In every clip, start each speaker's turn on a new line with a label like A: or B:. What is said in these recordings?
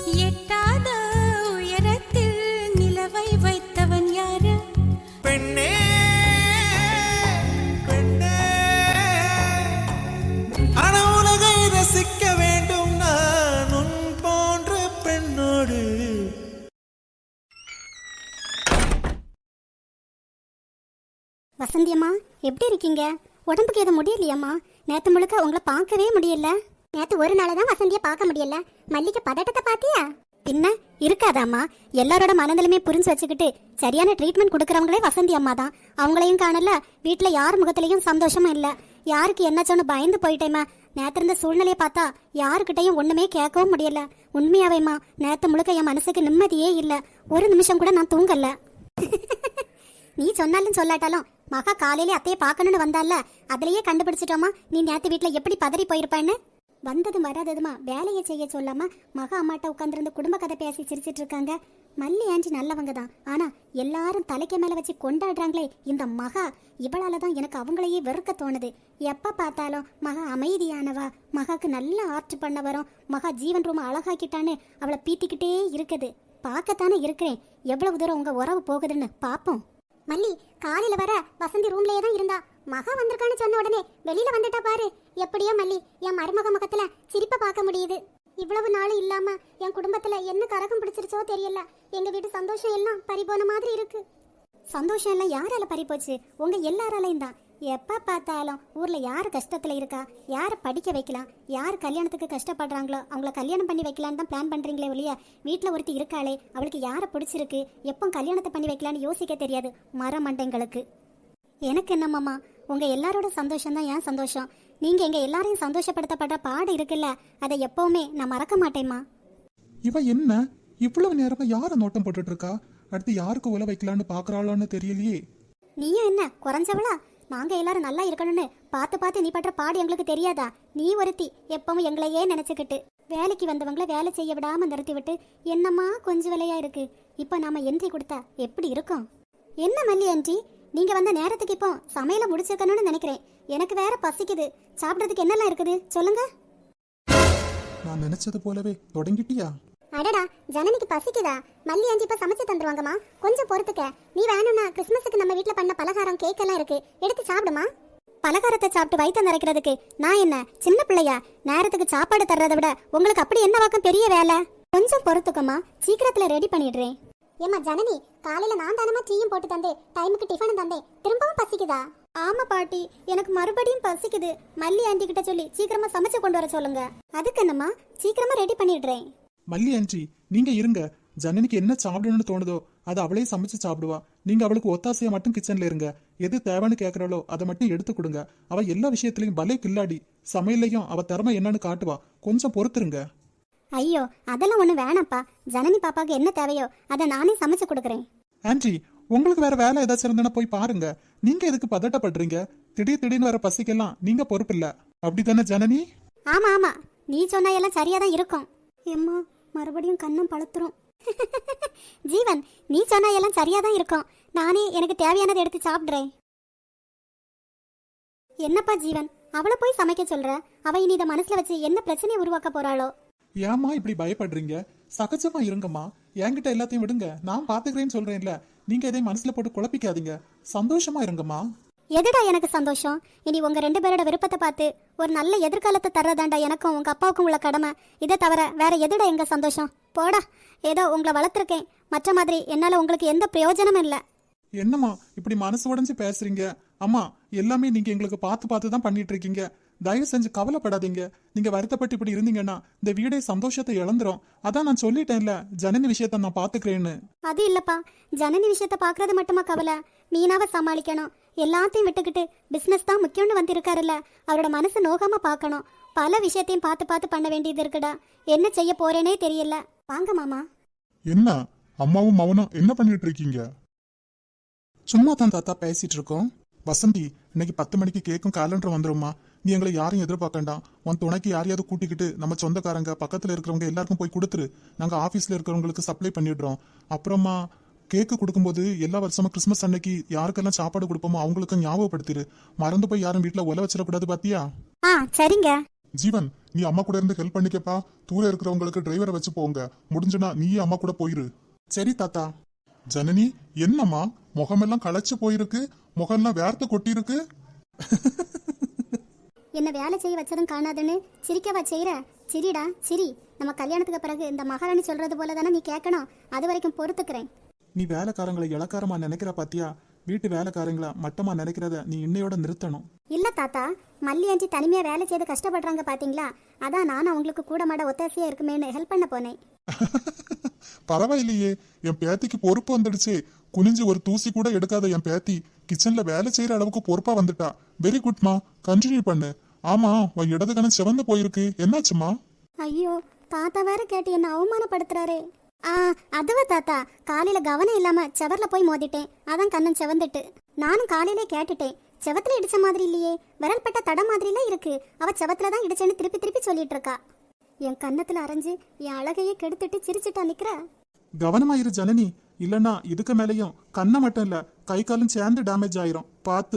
A: எட்டாத உயரத்தில் நிலவை வைத்தவன் யாரு?
B: பெண்ணே பெண்ணே, ஆனா உலகை ரசிக்க வேண்டும் நான் உன் போன்ற பெண்ணோடு.
C: வசந்தியம்மா, எப்படி இருக்கீங்க? உடம்புக்கு எதுவும் முடியலையாம்மா? நேத்து முழுக்க உங்களை பார்க்கவே முடியல. நேத்து ஒரு நாள் தான் வசந்திய பார்க்க முடியல. மல்லிகை பதட்டத்தை பாத்தியா? பின்ன இருக்காதாம்மா. எல்லாரோட மனநிலையுமே புரிஞ்சு வச்சுக்கிட்டு சரியான ட்ரீட்மெண்ட் கொடுக்கறவங்களே வசந்தி அம்மா தான். அவங்களையும் காணல, வீட்டுல யார் முகத்திலையும் சந்தோஷமும் இல்ல. யாருக்கு என்ன சொன்னு பயந்து போயிட்டேம்மா. நேத்து இருந்த சூழ்நிலையை பார்த்தா யாருக்கிட்டையும் ஒண்ணுமே கேட்கவும் முடியல. உண்மையாவேம்மா, நேத்து முழுக்க என் மனசுக்கு நிம்மதியே இல்ல. ஒரு நிமிஷம் கூட நான் தூங்கல. நீ சொன்னாலும் சொல்லாட்டாலும் மகா காலையிலே அத்தையை பார்க்கணும்னு வந்தால, அதுலயே கண்டுபிடிச்சிட்டோமா நீ நேத்து வீட்டுல எப்படி பதறி போயிருப்பான்னு. வந்ததும் வராததுமா வேலையை செய்ய சொல்லாம மகா அம்மாட்ட உட்காந்துருந்து குடும்ப கதை பேசி சிரிச்சிட்டு இருக்காங்க. மல்லி ஆஞ்சி நல்லவங்க தான், ஆனா எல்லாரும் தலைக்கு மேல வச்சு கொண்டாடுறாங்களே இந்த மகா, இவளாலதான் எனக்கு அவங்களையே வெறுக்க தோணுது. எப்ப பார்த்தாலும் மகா அமைதியானவா, மகாக்கு நல்ல ஆர்ட் பண்ண வரும், மகா ஜீவன் ரொம்ப அழகாக்கிட்டான்னு அவளை பீத்திக்கிட்டே இருக்குது. பார்க்கத்தானே இருக்கிறேன் எவ்வளவு தூரம் உங்க உறவு போகுதுன்னு பாப்போம். மல்லி காலையில வர வசந்தி ரூம்லயே தான் இருந்தா. மகா வந்திருக்கான்னு சொன்ன உடனே வெளியில வந்துட்டா பாரு. எப்படியோ மல்லி, என் மருமக முகத்துல சிரிப்பை பார்க்க முடியுது. இவ்வளவு நாளும் இல்லாம என் குடும்பத்துல என்ன கரகம் பிடிச்சிருச்சோ தெரியல. எங்க வீட்டு சந்தோஷம் எல்லாம் பறிபோன மாதிரி இருக்கு. சந்தோஷம் எல்லாம் யாரால பறிப்போச்சு? உங்க எல்லாராலையும் தான். எப்ப பார்த்தாலும் ஊர்ல யாரு கஷ்டத்துல இருக்கா, யாரை படிக்க வைக்கலாம், யார் கல்யாணத்துக்கு கஷ்டப்படுறாங்களோ அவங்கள கல்யாணம் பண்ணி வைக்கலான்னு தான் பிளான் பண்றீங்களே ஒழிய, வீட்டுல ஒருத்தி இருக்காளே அவளுக்கு யாரை பிடிச்சிருக்கு, எப்போ கல்யாணத்தை பண்ணி வைக்கலான்னு யோசிக்க தெரியாது மரமண்டைங்களுக்கு. எனக்கு என்னம்மாமா, உங்க எல்லாரோட சந்தோஷம் தான் என் சந்தோஷம். நீங்க எங்க எல்லாரையும் சந்தோஷப்படுத்தப்படுற பாடு இருக்குல்ல, அதை எப்பவுமே நான் மறக்க மாட்டேம்மா.
D: இவ என்ன இவ்வளவு நேரமா யார நோட்டம் போட்டுட்டு இருக்கா? அடுத்து யாருக்கு உல வைக்கலான்னு பாக்குறாளோன்னு தெரியலையே.
C: நீயும் என்ன குறைஞ்சவளா? நாங்க எல்லாரும் நல்லா இருக்கணும்னு பார்த்து பார்த்து நீ பண்ற பாடு எங்களுக்கு தெரியாதா? நீ ஒருத்தி எப்பவும் எங்களையே நினைச்சுக்கிட்டு வேலைக்கு வந்தவங்கள வேலை செய்ய விடாம நிறுத்தி விட்டு என்னம்மா கொஞ்சம் விலையா இருக்கு. இப்ப நாம என்ட்ரி கொடுத்தா எப்படி இருக்கும்? என்ன மல்லி ஆண்டி, நீங்க வந்த நேரத்துக்கு இப்போ சமையல முடிச்சிருக்கணும்னு நினைக்கிறேன். எனக்கு வேற பசிக்குது. சாப்பிட்றதுக்கு என்னெல்லாம் இருக்குது சொல்லுங்க.
D: நான் நினைச்சது போலவே தொடங்கிட்டியா?
C: அடடா, ஜனனிக்கு பசிக்குதா? மல்லி ஆண்டி இப்ப சமைச்சு தந்துருவாங்கம்மா, கொஞ்சம் பொறுத்துக்க. நீ வேணும்னா கிறிஸ்மஸுக்கு நம்ம வீட்டுல பண்ண பலகாரம் கேக் எல்லாம் இருக்கு, எடுத்து சாப்பிடுமா. பலகாரத்தை சாப்பிட்டு வயிற்று நிறைக்கிறதுக்கு நான் என்ன சின்ன பிள்ளையா? நேரத்துக்கு சாப்பாடு தர்றதை விட உங்களுக்கு அப்படி என்ன வாக்கம் பெரிய வேலை? கொஞ்சம் பொறுத்துக்கம்மா, சீக்கிரத்துல ரெடி பண்ணிடுறேன். ஏமா ஜனனி, காலையில நான் தானமா டீயும் போட்டு தந்தேன், டைமுக்கு டிஃபனும் தந்தேன், திரும்பவும் பசிக்குதா? ஆமா பாட்டி, எனக்கு மறுபடியும் பசிக்குது. மல்லி ஆண்டி கிட்ட சொல்லி சீக்கிரமா சமைச்சு கொண்டு வர சொல்லுங்க. அதுக்கு என்னம்மா, சீக்கிரமா ரெடி பண்ணிடுறேன்.
D: மல்லி ஆண்டி நீங்க இருங்க. ஜனனிக்கு என்ன சாப்பிடணும்னு தோணுதோ அதை அவளே சமைச்சு சாப்பிடுவா. நீங்க அவளுக்கு ஒத்தாசையா மட்டும் கிச்சன்ல இருங்க. எது தேவைன்னு கேட்கறாளோ அதை மட்டும் எடுத்து கொடுங்க. அவ எல்லா விஷயத்திலையும் பலே கில்லாடி. சமையல்லையும் அவ திறமை என்னன்னு காட்டுவா. கொஞ்சம் பொறுத்துருங்க.
C: ஐயோ அதெல்லாம் ஒண்ணு வேணாப்பா. ஜனனி பாப்பாக்கு என்ன தேவையோ அதை நானே சமைச்சு கொடுக்குறேன்.
D: ஆண்டி உங்களுக்கு வேற வேலை ஏதாச்சும் இருந்தா போய் பாருங்க. நீங்க எதுக்கு பதட்டப்படுறீங்க? திடீர்னு வர பசிக்கெல்லாம் நீங்க பொறுப்பு இல்ல, அப்படித்தானே ஜனனி?
C: ஆமா ஆமா, நீ சொன்னா எல்லாம் சரியாதான் இருக்கும். எம்மா மறுபடியும் கண்ணம் பழுத்துரும். ஜீவன், நீ சொன்னா எல்லாம் சரியாதான் இருக்கும். நானே எனக்கு தேவையானதை எடுத்து சாப்பிடுறேன். என்னப்பா ஜீவன், அவளை போய் சமைக்க சொல்ற? அவ இனி இதை மனசுல வச்சு என்ன பிரச்சனையை உருவாக்க போறாளோ?
D: ஏமா இப்படி பயப்படுறீங்க? சகஜமா இருங்கம்மா. என்கிட்ட எல்லாத்தையும் விடுங்க, நான் பாத்துக்கிறேன்னு சொல்றேன்ல. நீங்க இதை மனசுல போட்டு குழப்பிக்காதீங்க. சந்தோஷமா இருங்கம்மா.
C: எதுடா எனக்கு சந்தோஷம்? இனி உங்க 2 பேரோட விருப்பத்தை பார்த்து ஒரு நல்ல எதிர்காலத்தை தர்றதாண்டா எனக்கும் உங்க அப்பாவுக்கும் உள்ள கடமை. இதை தவிர வேற எதுடா எங்க சந்தோஷம்? போடா, ஏதோ உங்களை வளர்த்துருக்கேன், மற்ற மாதிரி என்னால உங்களுக்கு எந்த பிரயோஜனமும் இல்லை.
D: என்னம்மா இப்படி மனசு உடைஞ்சு பேசுறீங்க? அம்மா எல்லாமே நீங்க எங்களுக்கு பார்த்து தான் பண்ணிட்டு இருக்கீங்க. தயவு செஞ்சு கவலைப்படாதீங்க. நீங்க வருத்தப்பட்டு இப்படி இருந்தீங்கன்னா இந்த வீடே சந்தோஷத்தை இழந்துரும். அதான் நான் சொல்லிட்டேன்ல, ஜனனி விஷயத்த நான் பாத்துக்கிறேன்னு.
C: அது இல்லப்பா, ஜனனி விஷயத்த பாக்குறது மட்டுமா கவலை? மீனாவை சமாளிக்கணும். எல்லாத்தையும் விட்டுக்கிட்டு பிசினஸ் தான் முக்கியம்னு வந்திருக்காருல்ல, அவரோட மனசு நோகாம பார்க்கணும். பல விஷயத்தையும் பார்த்து பண்ண வேண்டியது இருக்குடா. என்ன செய்ய போறேனே தெரியல. வாங்க மாமா.
D: என்ன அம்மாவும் மவனும் என்ன பண்ணிட்டு இருக்கீங்க? சும்மா தான் தாத்தா பேசிட்டு இருக்கோம். வசந்தி, இன்னைக்கு 10 மணிக்கு கேக்கும் கேலண்டர் வந்துருமா. நீ எங்களை யாரையும் எதிர்பார்க்கண்டாம். உன் துணைக்கு யாரையாவது கூட்டிக்கிட்டு நம்ம சொந்தக்காரங்க பக்கத்துல இருக்கிறவங்க எல்லாருக்கும் போய் கொடுத்துரு. நாங்க ஆபீஸ்ல இருக்கிறவங்களுக்கு சப்ளை பண்ணிடுறோம். அப்புறமா கேக்கு கொடுக்கும்போது எல்லா வருஷமும் கிறிஸ்மஸ் அன்னைக்கு யாருக்கெல்லாம் சாப்பாடு கொடுப்போமோ அவங்களுக்கு ஞாபகப்படுத்திரு. மறந்து போய் யாரும் வீட்டுல ஒல வச்சிடக்கூடாது. பாத்தியா?
C: சரிங்க.
D: ஜீவன், நீ அம்மா கூட இருந்து ஹெல்ப் பண்ணிக்கப்பா. தூர இருக்கிறவங்களுக்கு டிரைவரை வச்சு போங்க. முடிஞ்சுனா நீயே அம்மா கூட போயிரு. சரி தாத்தா. ஜனனி, என்னம்மா முகமெல்லாம் களைச்சு போயிருக்கு, முகம்லாம் வேர்த்து கொட்டிருக்கு.
C: என்ன வேலை செய்ய வச்சதும் காணாதுன்னு சிரிக்கவா செய்யற? சிரிடா சிரி. நம்ம கல்யாணத்துக்கு பிறகு இந்த மகாராணி சொல்றது போல தானே நீ கேட்கணும். அது வரைக்கும் பொறுத்துக்கிறேன்.
D: நீ வேலைக்காரங்களை இளக்காரமா நினைக்கிற பாத்தியா? வீட்டு வேலைக்காரங்களா மட்டமா நினைக்கிறத நீ இன்னையோட நிறுத்தணும்.
C: இல்ல தாத்தா, மல்லி அஞ்சி தனிமையா வேலை செய்து கஷ்டப்படுறாங்க பாத்தீங்களா? அதான் நானும் அவங்களுக்கு கூட மாட ஒத்தாசையா இருக்குமேன்னு ஹெல்ப் பண்ண போனேன்.
D: பரவாயில்லையே, என் பேத்திக்கு பொறுப்பு வந்துடுச்சு. குனிஞ்சு ஒரு தூசி கூட எடுக்காத என் பேத்தி கிச்சன்ல வேலை செய்யற அளவுக்கு பொறுப்பா வந்துட்டா. வெரி குட்மா, கண்டினியூ பண்ணு. ஆமா, உன் இடது கணம் சிவந்து போயிருக்கு, என்னாச்சுமா?
C: ஐயோ, தாத்தா வேற கேட்டு என்ன அவமானப்படுத்துறாரே. அதுவா தாத்தா, காலையில கவனம் இல்லாம செவர்ல போய் மோதிட்டேன். அதான் கண்ணன் செவந்துட்டு. நானும் காலையிலே கேட்டுட்டேன். செவத்துல இடிச்ச மாதிரி இல்லையே, விரல் பட்ட தடம் மாதிரிலாம் இருக்கு. அவ செவத்துல தான் இடிச்சேன்னு திருப்பி திருப்பி சொல்லிட்டு இருக்கா. என் கன்னத்துல அரைஞ்சு என் அழகையே கெடுத்துட்டு சிரிச்சுட்டா நிக்கிறா.
D: கவனமாயிரு ஜனனி, இல்லன்னா இதுக்கு மேலையும் கண்ணை மட்டும் இல்ல கை காலும் சேர்ந்து டேமேஜ் ஆயிரும். பார்த்து.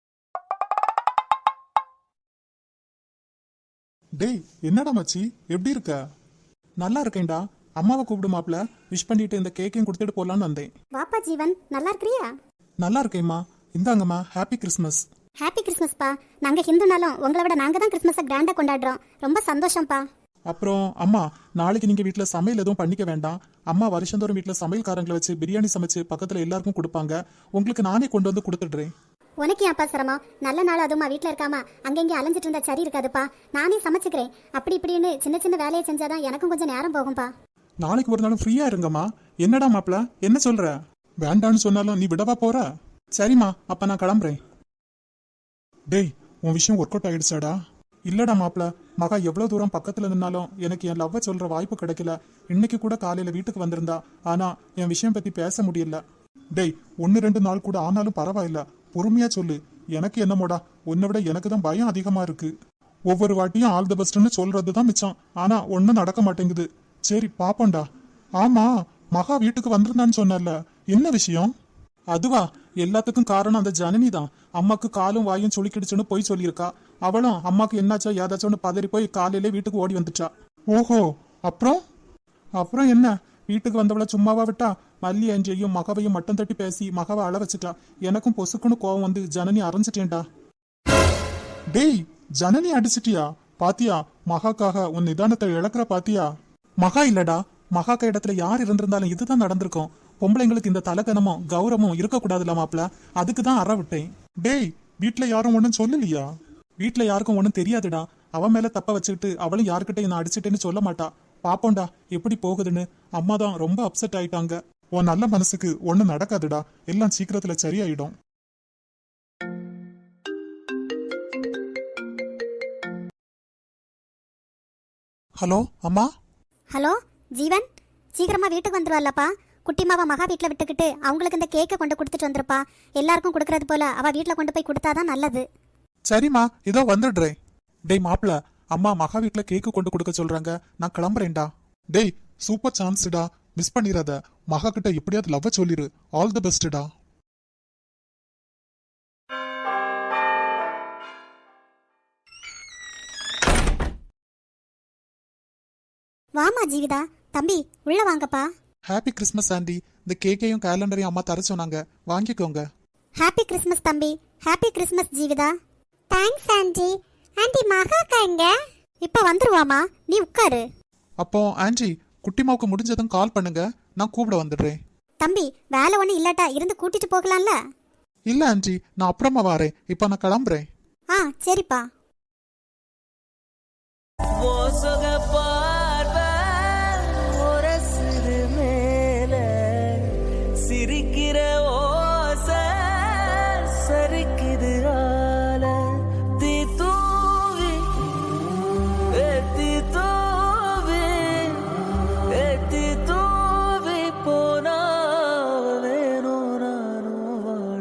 D: டேய், என்னடா மச்சி, எப்படி இருக்க? நல்லா இருக்கேன்டா. அம்மாவை கூப்பிடு மாப்ள. விஷ் பண்ணிட்டு இந்த கேக்கையும் கொடுத்துட்டு போலான்னு வந்தேன்.
C: வாப்பா ஜீவன், நல்லா இருக்கிறியா?
D: நல்லா இருக்கேம்மா. இந்தாங்கம்மா, ஹாப்பி கிறிஸ்மஸ்.
C: ஹாப்பி கிறிஸ்மஸ்ப்பா. நாங்க ஹிந்துனாலும் உங்களை விட நாங்க தான் கிறிஸ்மஸை கிராண்டா கொண்டாடுறோம். ரொம்ப சந்தோஷம்ப்பா.
D: அப்புறம் அம்மா, நாளைக்கு நீங்க வீட்டுல சமையல் எதுவும் பண்ணிக்க வேண்டாம். அம்மா வருஷந்தோறும் வீட்டுல சமையல்காரங்களை வச்சு பிரியாணி சமைச்சு பக்கத்துல எல்லாருக்கும் கொடுப்பாங்க. உங்களுக்கு நானே கொண்டு வந்து கொடுத்துடுறேன்.
C: உனக்கு ஏன்ப்பா சிரமம்? நல்ல நாள் அதுமா வீட்டில் இருக்காமா அங்கங்கே அலைஞ்சிட்டு இருந்தா சரி இருக்காதுப்பா. நானே சமைச்சுக்கிறேன். அப்படி இப்படின்னு சின்ன சின்ன வேலையை செஞ்சாதான் எனக்கும் கொஞ்சம் நேரம் போகும்பா.
D: நாளைக்கு ஒரு நாளும் ஃப்ரீயா இருங்கம்மா. என்னடா மாப்ள, என்ன சொல்ற? வேண்டான்னு சொன்னாலும் நீ விடவா போற? சரிம்மா, அப்ப நான் கிளம்புறேன். டேய், உன் விஷயம் ஒர்க் அவுட் ஆயிடுச்சாடா? இல்லடா மாப்ள, மகா எவ்வளவு தூரம் பக்கத்துல நின்னாலும் எனக்கு என் லவ்வை சொல்ற வாய்ப்பு கிடைக்கல. இன்னைக்கு கூட காலையில வீட்டுக்கு வந்திருந்தா, ஆனா என் விஷயம் பத்தி பேச முடியல. டேய், 1-2 நாள் கூட ஆனாலும் பரவாயில்ல, பொறுமையா சொல்லு. எனக்கு என்னமோடா, உன்னை விட எனக்கு தான் பயம் அதிகமா இருக்கு. ஒவ்வொரு வாட்டியும் ஆல் தி பெஸ்ட்னு சொல்றதுதான் மிச்சம். ஆனா ஒன்னும் நடக்க மாட்டேங்குது. சரி பாப்போண்டா. ஆமா, மகா வீட்டுக்கு வந்திருந்தான்னு சொன்னல, என்ன விஷயம்? அதுவா, எல்லாத்துக்கும் காரணம் அந்த ஜனனி தான். அம்மாக்கு காலும் வாயும் சுளிக்கிடுச்சுன்னு போய் சொல்லியிருக்கா. அவளும் அம்மாக்கு என்னாச்சோ ஏதாச்சோன்னு பதறி போய் காலையிலே வீட்டுக்கு ஓடி வந்துட்டா. ஓஹோ, அப்புறம் என்ன? வீட்டுக்கு வந்தவளை சும்மாவா விட்டா? மல்லி அஞ்சையும் மகவையும் மட்டம் தட்டி பேசி மகவை அழ வச்சுட்டா. எனக்கும் பொசுக்குன்னு கோவம் வந்து ஜனனி அரைஞ்சிட்டேன்டா. டேய், ஜனனி அடிச்சிட்டியா? பாத்தியா, மகாக்காக உன் நிதானத்தை இழக்கிற பாத்தியா? மகா இல்லடா, மகாக்கா இடத்துல யார் இருந்திருந்தாலும் இதுதான் நடந்திருக்கும். பொம்பளைங்களுக்கு இந்த தலகனமும் கௌரவமும் இருக்கக்கூடாதுல மாப்ள, அதுக்குதான் அற விட்டேன். டேய், வீட்டுல யாரும் ஒன்னும் சொல்லலையா? வீட்டுல யாருக்கும் ஒன்னும் தெரியாதுடா. அவன் மேல தப்ப வச்சுக்கிட்டு அவளும் யாருக்கிட்ட நான் அடிச்சிட்டேன்னு சொல்ல மாட்டா. பாப்போண்டா எப்படி போகுதுன்னு. அம்மா தான் ரொம்ப அப்செட் ஆயிட்டாங்க. உன் நல்ல மனசுக்கு ஒன்னும் நடக்காதுடா, எல்லாம் சீக்கிரத்துல சரியாயிடும். ஹலோ அம்மா.
C: ஹலோ ஜீவன், சீக்கிரமா வீட்டுக்கு வந்துருவாள்லப்பா. குட்டிமாவை மகா வீட்டில் விட்டுக்கிட்டு அவங்களுக்கு இந்த கேக்கை கொண்டு கொடுத்துட்டு வந்துருப்பா. எல்லாருக்கும் கொடுக்கறது போல அவ வீட்டில் கொண்டு போய் கொடுத்தாதான் நல்லது.
D: சரிம்மா, இதோ வந்துடுறேன். டேய் மாப்ள, அம்மா மகா வீட்டுல கேக்கு கொண்டு கொடுக்க சொல்றாங்க. நான் கிளம்புறேன்டா. டேய், சூப்பர் சான்ஸ்டா, மிஸ் பண்ணிடாத. மகா கிட்ட எப்படியாவது லவ் சொல்லிரு. ஆல் தி பெஸ்ட்டா.
C: வாமா ஜீவிதா, தம்பி உள்ள வாங்கப்பா.
D: Happy Christmas aunty. இந்த கேக்கையும் கேலண்டரையும் அம்மா தர சொன்னாங்க, வாங்கிக்கோங்க.
C: ஹாப்பி கிறிஸ்மஸ் தம்பி. Happy Christmas Jeevitha. Thanks aunty. Aunty மகாக்கா எங்க? இப்ப வந்துருவாமா, நீ உட்காரு.
D: அப்போ ஆண்டி, குட்டிமாவுக்கு முடிஞ்சதும் கால் பண்ணுங்க, நான் கூப்பிட வந்துடுறேன்.
C: தம்பி, வேலை ஒண்ணு இல்லாட்டா இருந்து கூட்டிட்டு போகலாம்ல?
D: இல்ல ஆண்டி, நான் அப்புறமா வரேன். இப்ப நான் கிளம்புறேன்.
C: சரிப்பா.
B: சிரிக்கிற ஓச சரிக்குது ஆல தீ தூவி ஏத்தி தூவி ஏத்தி தூவி போனா வேணும் நானும் வாழ.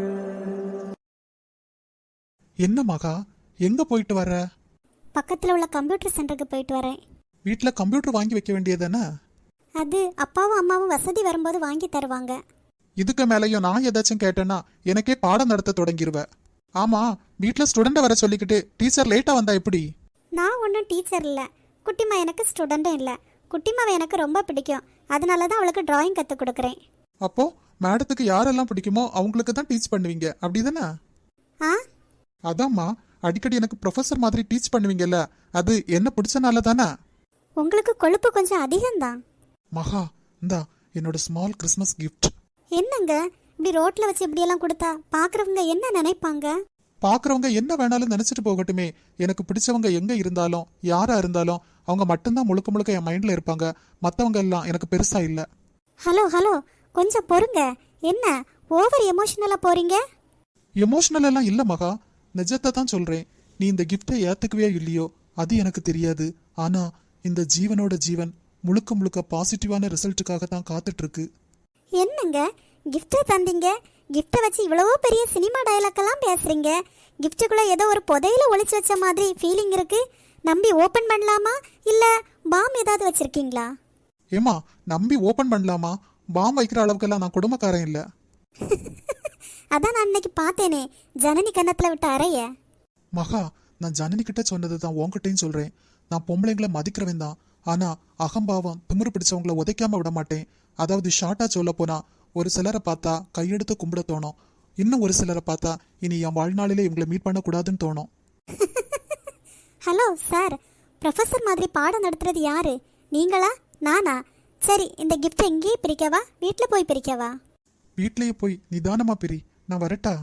D: என்ன மகா, எங்க போயிட்டு வர?
C: பக்கத்துல உள்ள கம்ப்யூட்டர் சென்டருக்கு போயிட்டு வரேன்.
D: வீட்டுல கம்ப்யூட்டர் வாங்கி வைக்க வேண்டியதானே?
C: அது அப்பாவும் அம்மாவும் வசதி வரும்போது வாங்கி தருவாங்க.
D: இதுக்கு மேலையும் நான் ஏதாச்சும் கேட்டேன்னா எனக்கே பாடம் நடத்த தொடங்கிடுவேன். ஆமா, வீட்டுல ஸ்டூடெண்ட வர சொல்லிக்கிட்டு டீச்சர் லேட்டா வந்தா எப்படி?
C: நான் ஒன்றும் டீச்சர் இல்லை, குட்டிமா எனக்கு ஸ்டூடெண்ட்டும் இல்லை. குட்டிமாவை எனக்கு ரொம்ப பிடிக்கும், அதனால தான் அவளுக்கு டிராயிங் கற்றுக் கொடுக்குறேன்.
D: அப்போ மேடத்துக்கு யாரெல்லாம் பிடிக்குமோ அவங்களுக்கு தான் டீச் பண்ணுவீங்க அப்படிதானே?
C: ஆ,
D: அதாம்மா, அடிக்கடி எனக்கு ப்ரொஃபஸர் மாதிரி டீச் பண்ணுவீங்கல்ல, அது என்ன பிடிச்சனால தானே?
C: உங்களுக்கு கொழுப்பு கொஞ்சம் அதிகம்தான்.
D: மகா, இந்தா என்னோட ஸ்மால் கிறிஸ்மஸ் கிஃப்ட்.
C: என்னங்க இப்படி ரோட்ல வச்சு இப்படியெல்லாம் கொடுத்தா பார்க்குறவங்க என்ன நினைப்பாங்க?
D: பார்க்குறவங்க என்ன வேணாலும் நினச்சிட்டு போகட்டுமே. எனக்கு பிடிச்சவங்க எங்கே இருந்தாலும் யாராக இருந்தாலும் அவங்க மட்டும்தான் முழுக்க முழுக்க என் மைண்டில் இருப்பாங்க. மற்றவங்க எல்லாம் எனக்கு பெருசாக இல்லை.
C: ஹலோ ஹலோ, கொஞ்சம் பொறுங்க. என்ன ஓவர் எமோஷனலாக போறீங்க?
D: எமோஷனல் எல்லாம் இல்லை மகா, நிஜத்தை தான் சொல்கிறேன். நீ இந்த கிஃப்டை ஏற்றுக்கவே இல்லையோ அது எனக்கு தெரியாது. ஆனால் இந்த ஜீவனோட ஜீவன் முழுக்க முழுக்க பாசிட்டிவான ரிசல்ட்டுக்காக தான் காத்துட்ருக்கு.
C: என்னங்க கிஃப்ட்டை தந்தீங்க, கிஃப்ட்டை வச்சு இவ்வளவோ பெரிய சினிமா டயலாக்கெல்லாம் பேசுறீங்க. கிஃப்ட்டுக்குள்ளே ஏதோ ஒரு புதையில ஒளிச்சு வச்ச மாதிரி ஃபீலிங் இருக்கு. நம்பி ஓப்பன் பண்ணலாமா இல்லை பாம் ஏதாவது வச்சிருக்கீங்களா?
D: ஏமா, நம்பி ஓப்பன் பண்ணலாமா? பாம் வைக்கிற அளவுக்கெல்லாம் நான் குடும்பக்காரன் இல்லை.
C: அதான் நான் இன்னைக்கு பார்த்தேனே ஜனனி கன்னத்தில் விட்ட அறைய.
D: மகா, நான் ஜனனி கிட்ட சொன்னது தான் உன்கிட்டையும் சொல்கிறேன். நான் பொம்பளைங்களை மதிக்கிறவன் தான், ஆனால் அகம்பாவம் திமிரு பிடிச்சவங்களை உதைக்காம விட மாட்டேன். அதாவது ஷார்ட்டாக சொல்ல போனா, ஒரு சிலரை பார்த்தா கையெடுத்து கும்பிட தோணும், இன்னும் ஒரு சிலரை பார்த்தா இனி என் வாழ்நாளிலே இவங்களை மீட் பண்ணக்கூடாதுன்னு தோணும்.
C: ஹலோ சார், ப்ரொஃபஸர் மாதிரி பாடம் நடத்துறது யாரு, நீங்களா நானா? சரி, இந்த கிஃப்ட்டை இங்கேயே பிரிக்கவா வீட்டில் போய் பிரிக்கவா?
D: வீட்லேயே போய் நிதானமா பிரி. நான் வரட்டா?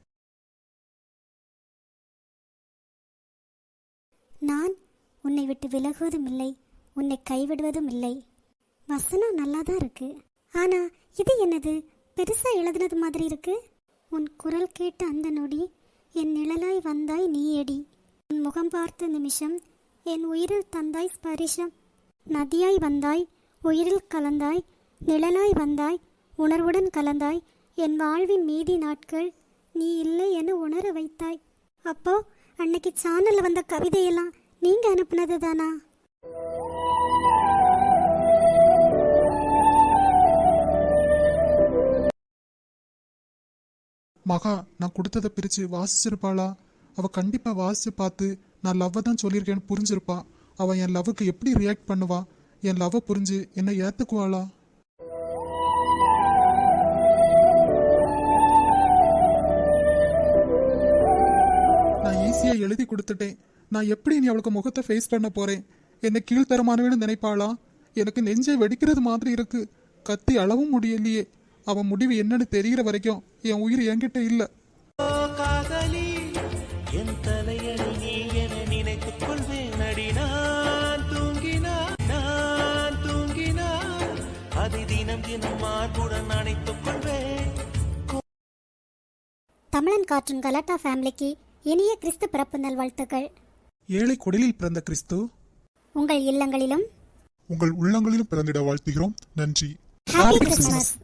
C: நான் உன்னை விட்டு விலகுவதும் இல்லை, உன்னை கைவிடுவதும் இல்லை. வசனம் நல்லா தான் இருக்கு, ஆனா இது என்னது பெருசா எழுதுனது மாதிரி இருக்கு. உன் குரல் கேட்ட அந்த நொடி என் நிழலாய் வந்தாய் நீயடி. உன் முகம் பார்த்த நிமிஷம் என் உயிரில் தந்தாய் ஸ்பரிசம். நதியாய் வந்தாய், உயிரில் கலந்தாய், நிழலாய் வந்தாய், உணர்வுடன் கலந்தாய். என் வாழ்வின் மீதி நாட்கள் நீ இல்லை என உணர வைத்தாய். அப்போ அன்னைக்கு சேனல்ல வந்த கவிதையெல்லாம் நீங்க அனுப்புனது தானா?
D: மகா, நான் கொடுத்ததை பிரித்து வாசிச்சிருப்பாளா? அவள் கண்டிப்பாக வாசித்து பார்த்து நான் லவ்வை தான் சொல்லியிருக்கேன்னு புரிஞ்சிருப்பா. அவள் என் லவ்வுக்கு எப்படி ரியாக்ட் பண்ணுவா? என் லவ்வை புரிஞ்சு என்னை ஏற்றுக்குவாளா? நான் ஈஸியாக எழுதி கொடுத்துட்டேன். நான் எப்படி நீ அவளுக்கு முகத்தை ஃபேஸ் பண்ண போகிறேன்? என்னை கீழ்த்தரமானவேன்னு நினைப்பாளா? எனக்கு நெஞ்சை வெடிக்கிறது மாதிரி இருக்கு. கத்தி அளவும் முடியலையே. அவன் முடிவு என்னன்னு தெரிகிற வரைக்கும் என் உயிர் என்கிட்ட இல்லை.
B: காதலி என் தலையணி நீ என நினைத்துக் கொள்வேன் அடி. நான் தூங்கினான் அதை தினம் தினம் மார்புடன் அணைத்துக் கொள்வேன்.
C: தமிழன் கார்ட்டூன் கலாட்டா ஃபேமிலிக்கு இனிய கிறிஸ்து பிறப்பு நல்வாழ்த்துக்கள்.
D: ஏழை குடிலில் பிறந்த கிறிஸ்து
C: உங்கள் இல்லங்களிலும்
D: உங்கள் உள்ளங்களிலும் பிறந்திட வாழ்த்துகிறோம். நன்றி.
C: Happy Christmas.